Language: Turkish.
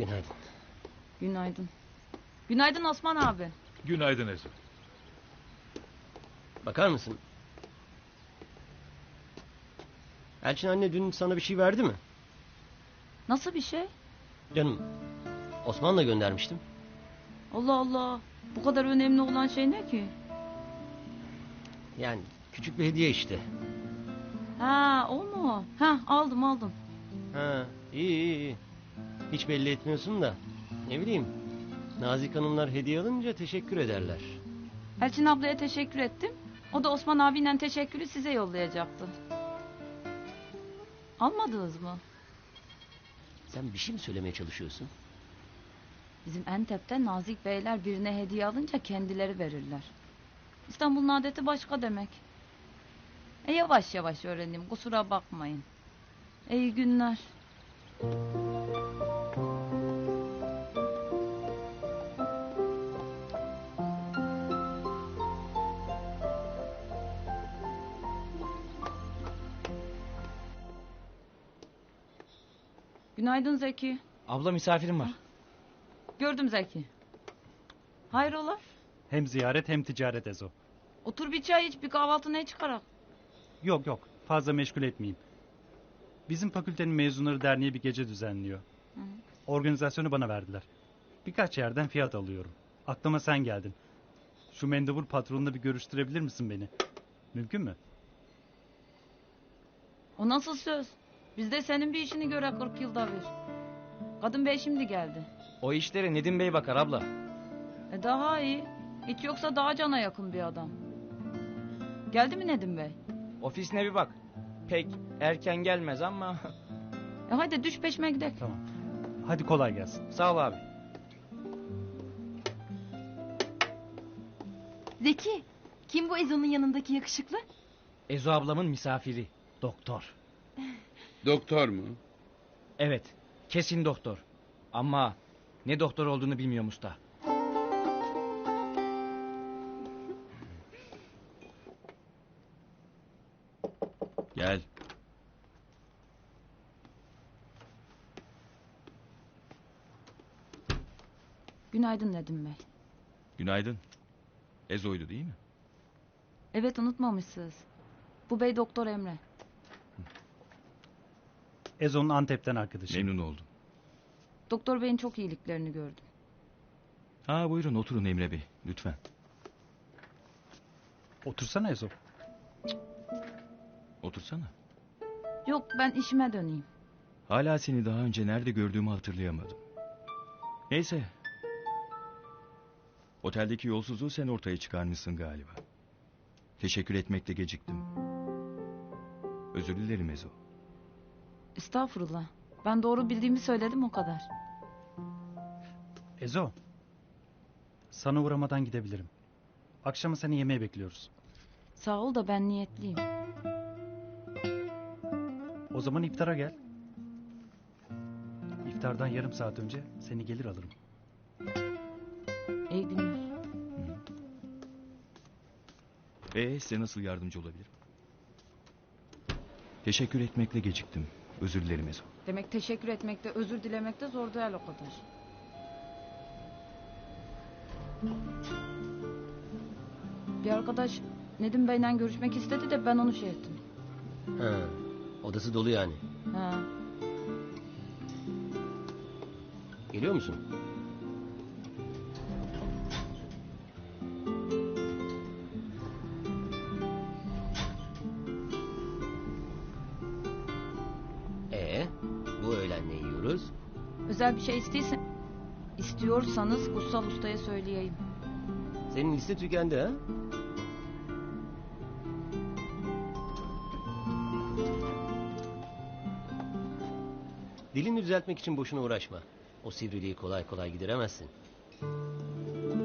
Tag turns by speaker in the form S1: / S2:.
S1: Günaydın.
S2: Günaydın. Günaydın Osman abi.
S3: Günaydın Ezo.
S1: Bakar mısın? Elçin anne dün sana bir şey verdi mi?
S2: Nasıl bir şey?
S1: Canım, Osman'la göndermiştim.
S2: Allah Allah. Bu kadar önemli olan şey ne ki?
S1: Yani küçük bir hediye işte.
S2: Ha, o mu? Ha, aldım.
S1: Ha, iyi. Hiç belli etmiyorsun da. Ne bileyim. Nazik hanımlar hediye alınca teşekkür ederler.
S2: Elçin ablaya teşekkür ettim. O da Osman abiyle teşekkürü size yollayacaktı. Almadınız mı?
S1: Sen bir şey mi söylemeye çalışıyorsun?
S2: Bizim Entep'te nazik beyler birine hediye alınca kendileri verirler. İstanbul'un adeti başka demek. Yavaş yavaş öğreneyim, kusura bakmayın. İyi günler. Günaydın Zeki.
S4: Abla misafirim var.
S2: Gördüm Zeki. Hayrola?
S5: Hem ziyaret hem ticaret Ezo.
S2: Otur bir çay iç, bir kahvaltı ne çıkarak?
S5: Yok fazla meşgul etmeyeyim. Bizim fakültenin mezunları derneği bir gece düzenliyor. Organizasyonu bana verdiler. Birkaç yerden fiyat alıyorum. Aklıma sen geldin. Şu mendebur patronla bir görüştürebilir misin beni? Mümkün mü?
S2: O nasıl söz? Biz de senin bir işini göre 40 yılda bir. Kadın bey şimdi geldi.
S4: O işlere Nedim Bey bakar abla.
S2: Daha iyi. Hiç yoksa daha cana yakın bir adam. Geldi mi Nedim Bey?
S4: Ofisine bir bak. Pek erken gelmez ama...
S2: Hadi düş peşime gidelim.
S5: Tamam. Hadi kolay gelsin.
S4: Sağ ol abi.
S6: Zeki, kim bu Ezo'nun yanındaki yakışıklı?
S4: Ezo ablamın misafiri. Doktor.
S3: Doktor mu?
S4: Evet. Kesin doktor. Ama ne doktor olduğunu bilmiyorum usta.
S3: Gel.
S2: Günaydın Nedim Bey.
S3: Günaydın. Ezo'ydu değil mi?
S2: Evet, unutmamışsınız. Bu bey Doktor Emre.
S5: Ezo'nun Antep'ten arkadaşı.
S3: Memnun oldum.
S2: Doktor Bey'in çok iyiliklerini gördüm.
S3: Ha buyurun oturun Emre Bey lütfen.
S5: Otursana Ezo.
S3: Otursana.
S2: Yok, ben işime döneyim.
S3: Hala seni daha önce nerede gördüğümü hatırlayamadım. Neyse. Oteldeki yolsuzluğu sen ortaya çıkarmışsın galiba. Teşekkür etmekte geciktim. Özür dilerim Ezo.
S2: Estağfurullah. Ben doğru bildiğimi söyledim, o kadar.
S5: Ezo. Sana uğramadan gidebilirim. Akşama seni yemeğe bekliyoruz.
S2: Sağ ol da ben niyetliyim.
S5: O zaman iftara gel. İftardan yarım saat önce seni gelir alırım.
S2: İyi günler.
S3: Size nasıl yardımcı olabilirim? Teşekkür etmekle geciktim. Özür dilerim Ezo.
S2: Demek teşekkür etmekte, özür dilemekte zor değil o kadar. Bir arkadaş Nedim Bey'le görüşmek istedi de ben onu şey ettim.
S1: Ha, odası dolu yani.
S2: Ha.
S1: Geliyor musun? Bu öğlen ne yiyoruz?
S2: Özel bir şey istiyorsanız Kutsal Usta'ya söyleyeyim.
S1: Senin liste tükendi ha? Dilini düzeltmek için boşuna uğraşma. O sivriliği kolay kolay gideremezsin.